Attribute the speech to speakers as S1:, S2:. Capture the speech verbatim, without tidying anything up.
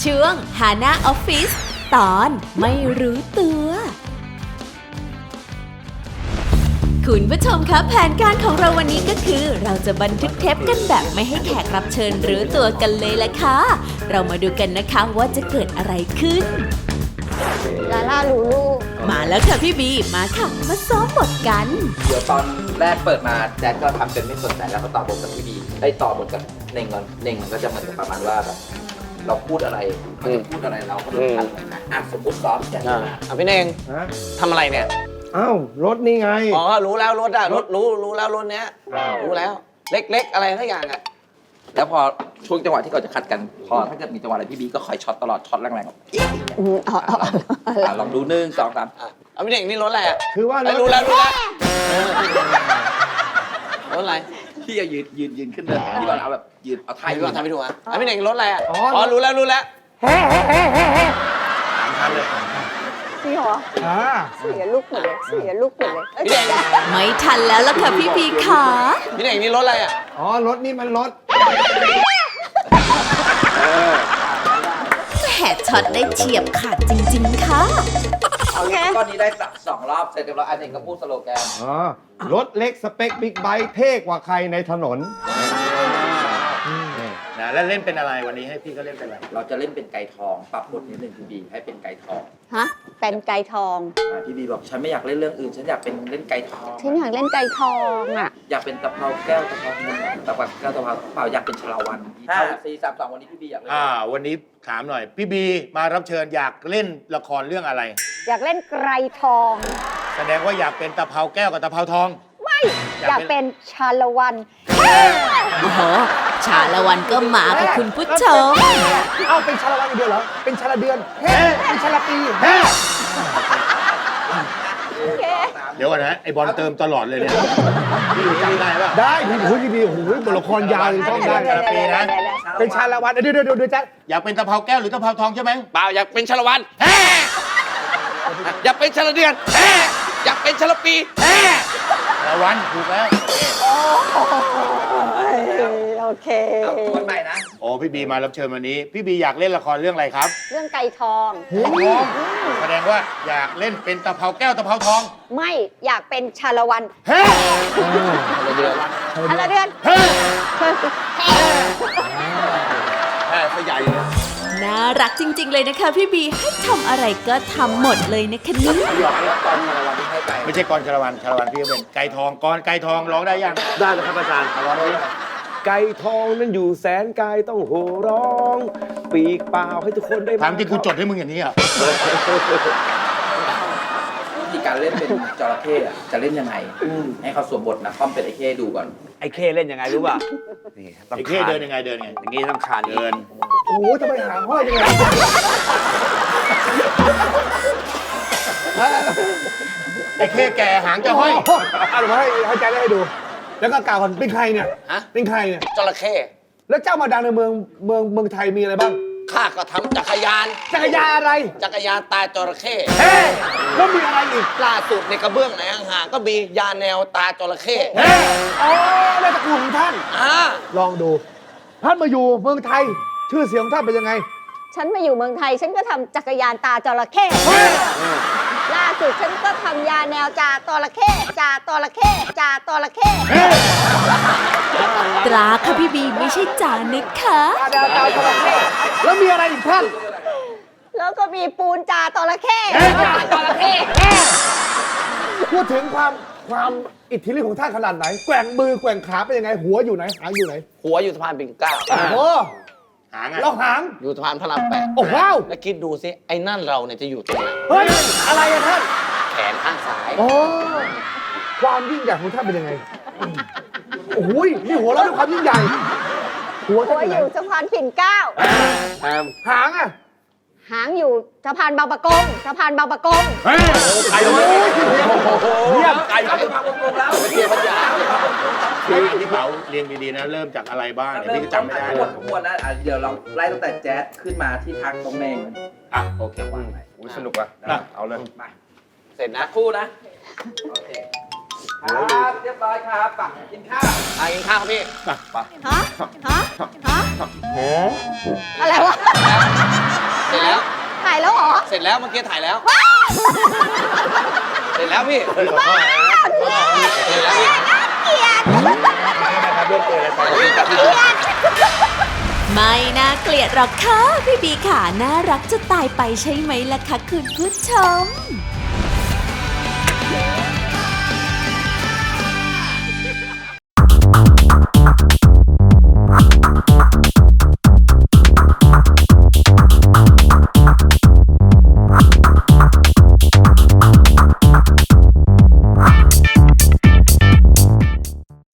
S1: ช่วงฮาน่าออฟฟิศตอนไม่รู้ตัวคุณผู้ชมคะแผนการของเราวันนี้ก็คือเราจะบันทึกเทปกันแบบไม่ให้แขกรับเชิญรู้ตัวกันเลยละค่ะเรามาดูกันนะคะว่าจะเกิดอะไรขึ้น
S2: ลาล่าลูลู
S1: มาแล้วค่ะพี่บีมาค่ะมาซ้อมบทกัน
S3: เดี๋ยวตอนแรกเปิดมาแจ๊ดก็ทำเป็นไม่สนใจแล้วก็ต่อบทกับพี่บีได้ต่อบทกับเน่งก่อนเน่งมันก็จะเหมือนกับประมาณว่าแบบเราพูดอะไรมันจะพูดอะไรเราก็ต้องทันนะอ่ะสมมติซ้อมแจ๊ด
S4: อ่ะพี่เน่งทำอะไรเนี่ย
S5: อ้าวรถนี่ไง
S4: อ๋อรู้แล้วรถอะรถรู้รู้แล้วรถเนี้ยรู้แล้วเล็กๆอะไรทั้งอย่างอะ
S3: แล้วพอช่วงจังหวะที่เราจะคัดกันพอถ้าเกิดมีจังหวะอะไรพี่บีก็คอยช็อตตลอดช็อตแรงๆแบบลองดูหนึ่งสองสาม
S4: เอาพี่เน่งนี่รถอะไรอะ
S5: คือว่ารถ
S4: รู้แล้วรู้แล้วรถอะไร
S3: พี่จะยืนยืนยืนขึ้นเลยพี่บอลเอาแบบยืนเอาท้าย
S4: พี่บอลทำให้ดูอ่ะเอาพี่เน่งรถอะไรอะอ๋อรู้แล้วรู้แล้ว
S5: เฮ้เฮ้เฮ้เฮ้เฮ้
S3: สามคันเลย
S2: จริงเหรอเสียลูกหมดเลยเสียลูกหมดเลย
S4: พี่เน่ง
S1: ไม่ทันแล้วล่ะค่ะพี่บีค่ะ
S4: พี่เน่งนี่รถอะไรอะ
S5: อ๋อรถนี่มันรถ
S1: แหมช็อตได้เฉียบขาดจริงๆค่ะ
S3: โอเคก้อนนี้ได้สักสองรอบเสร็จเรียบร้อยอันหนึ่งก็พูดสโลแกน
S5: อ๋อรถเล็กสเปคบิ๊กไบค์เท่กว่าใครในถนน
S6: นะแล้วเล่นเป็นอะไรวันนี้ให้พี่ก็เล่นเป็นอะไร
S3: เราจะเล่นเป็นไก่ทองปรับบทนิดนึงพี่บีให้เป็นไก่ทอง
S2: ฮะเป็นไก่ทอง
S3: พี่บีบอกฉันไม่อยากเล่นเรื่องอื่นฉันอยากเป็นเล่นไก่ทอง
S2: ฉันอยากเล่นไก่ทองอ่ะ
S3: อยากเป็นตะเภาแก้วตะเภาเงินตะเภาแก้วตะเภาเปล่าอยากเป็นชลาวันห้าสี่สามสองวันนี้พี่บีอยากเล่น
S6: อ่าวันนี้ถามหน่อยพี่บีมารับเชิญอยากเล่นละครเรื่องอะไร
S2: อยากเล่นไก่ทอง
S6: แสดงว่าอยากเป็นตะเภาแก้วกับตะเภาทอง
S2: ไม่อยากเป็นชาละวัน
S1: โอ้โหชาละวันก็มาค่ะคุณผู้ชม
S5: เอ้าเป็นชาละวันอีกเดือนเหรอเป็นชาละเดือนเฮ้เป็นชาละปีเฮ้
S6: เดี๋ยวก่อนนะไอบอลเติมตลอดเลยเนี่ยพี่จำได้ป่ะ
S5: ได้พี่พูดดีๆโอ้โหบทละครยาวเลยต้องได้
S6: ชาละปีนะ
S5: เป็นชาละวันเดี๋ยวเดี๋ยวเดี๋ยวจ๊ะ
S6: อยากเป็นตะเภาแก้วหรือตะเภาทองใช่ไหม
S4: เปล่าอยากเป็นชาละวันอยากเป็นชาละเดือนอยากเป็นชาละปี
S6: ชาละวันถูกแล้ว
S2: โอเค
S3: คนใหม่นะ
S6: โอ้พี่บีมารับเชิญวันนี้พี่บีอยากเล่นละครเรื่องอะไรครับ
S2: เรื่องไก่ทอง
S6: แสดงว่าอยากเล่นเป็นตะเภาแก้วตะเภาทอง
S2: ไม่อยากเป็นชาละวัน
S6: เฮ้
S4: ชาละเดือน
S2: ชาละเดือน
S6: เฮ้
S4: แค่ขยายเลย
S1: น่ารักจริงๆเลยนะคะพี่บีให้ทำอะไรก็ทำหมดเลยนะคะนี่
S6: ไม่ใช่กรชาละวันชาละวันพี่ก็เป็นไก่ทองกรไก่ทองร้องได้ยัง
S5: ได้แล้วครับอาจารย์ร้องได้ไก่ทองนั้นอยู่แสนไกลต้องโห่ร้องปีกเปล่าให้ทุกคนได้
S6: ถามที่กูจดให้มึงอย่างนี้อ่ะ
S3: วิธีการเล่นเป็นจระเข้จะเล่นยังไงให้เขาสวมบทนะค่อมเป็นไอ้เข้ดูก่อน
S4: ไอ้เข้เล่นยังไงรู้ป่ะ
S6: นี่ไอ้เข้เดินยังไงเดินยังไง
S4: อย่างนี้ต้องคาน
S6: เดิน
S5: โอ้โหทำไมหางห้อยยังไง
S6: ไอ้เข้แก่หางจะห้อย
S5: เอาหรือให้ให้ใจได้ให้ดูแล้วก็กล่าวก่อนเป็นใครเนี่ย
S4: ฮะ
S5: เป็นใครเนี่ย
S4: จระเข้
S5: แล้วเจ้ามาดังในเมืองเมืองเมืองไทยมีอะไรบ้าง
S4: ข้าก็ทำจักรยาน
S5: จักรยานอะไร
S4: จักรยานตาจระเข้
S5: เฮ้แล้วมีอะไรอีก
S4: ล่าสุดในกระเบื้องไหนห่างๆก็มียาแนวตาจระเข้
S5: เฮ้อ๋อในตระกูลของท่าน
S4: อ่า
S5: ลองดูท่านมาอยู่เมืองไทยชื่อเสียงของท่านเป็นยังไง
S2: ฉันมาอยู่เมืองไทยฉันก็ทำจักรยานตาจระเข้ล่าสุดฉันก็ทำยาแนวจาตระเข้จาตระเข้จาตระเข้
S1: ตราค่ะพี่บีไม่ใช่จานึกค่ะ
S5: จาจาจระเข้แล้วมีอะไรอีกท่าน
S2: แล้วก็มีปูนจาตระเข้จระเข้
S5: พูดถึงความความอิทธิฤทธิ์ของท่านขนาดไหนแกว่งมือแกว่งขาเป็นยังไงหัวอยู่ไหนหางอยู่ไหน
S4: หัวอยู่สะพานปิ่นเกล้า
S5: โอ้
S6: หาง
S5: เราหาง
S4: อยู่สะพานพระรามแปด
S5: โอ้ว้าว
S4: แล้วคิดดูสิไอ้นั่นเราเนี่ยจะอยู่ตรงไหน
S5: เฮ้ยอะไรอะท่าน
S4: แขนข้างซ้าย
S5: โอ้ความยิ่งใหญ่ของท่านเป็นยังไงโอ้โหนี่หัวเราด้วยความยิ่งใหญ่
S2: หัวอยู่สะพานปิ่นเกล้า
S5: หางอะ
S2: หางอยู่สะพานบางปะกงสะพานบางปะกง
S6: ไก่เลย
S5: เยี่ยม
S3: ไก่บางปะกงแล้ว
S6: เกี่ยวกับยาพี่เป๋าเรียงดีๆนะเริ่มจากอะไรบ้างเนี่ยพี่ก็จำไม่ได้
S3: หมดทั้งหมดนะเดี๋ยวเราไล่ตั้งแต่แจ๊สขึ้นมาที่ทักตรงเมง
S6: อ่ะโอเคว่าง
S3: ไป
S6: สนุกอ่ะเอาเลย
S3: มา
S4: เสร็จนะ
S3: คู่นะโอเคครับเรียบร้อยครับปักกินข้าว
S4: อ่ะกินข้าวครับพี่
S2: ฮะฮะฮะอะไรวะ
S4: เสร็จแล้ว
S2: ถ่ายแล้วเหรอ
S4: เสร็จแล้วเมื่อกี้ถ่ายแล้ว เสร็จแล้วพี่
S6: พี่ขอโทษนะ
S4: เสร็จแล้วพี่
S2: เกลียด
S6: นะครับเรื่องเกินอะไรไป
S1: ไม่น่าเกลียดหรอกค่ะพี่บีค่ะน่ารักจะตายไปใช่ไหมล่ะคะคุณผู้ชม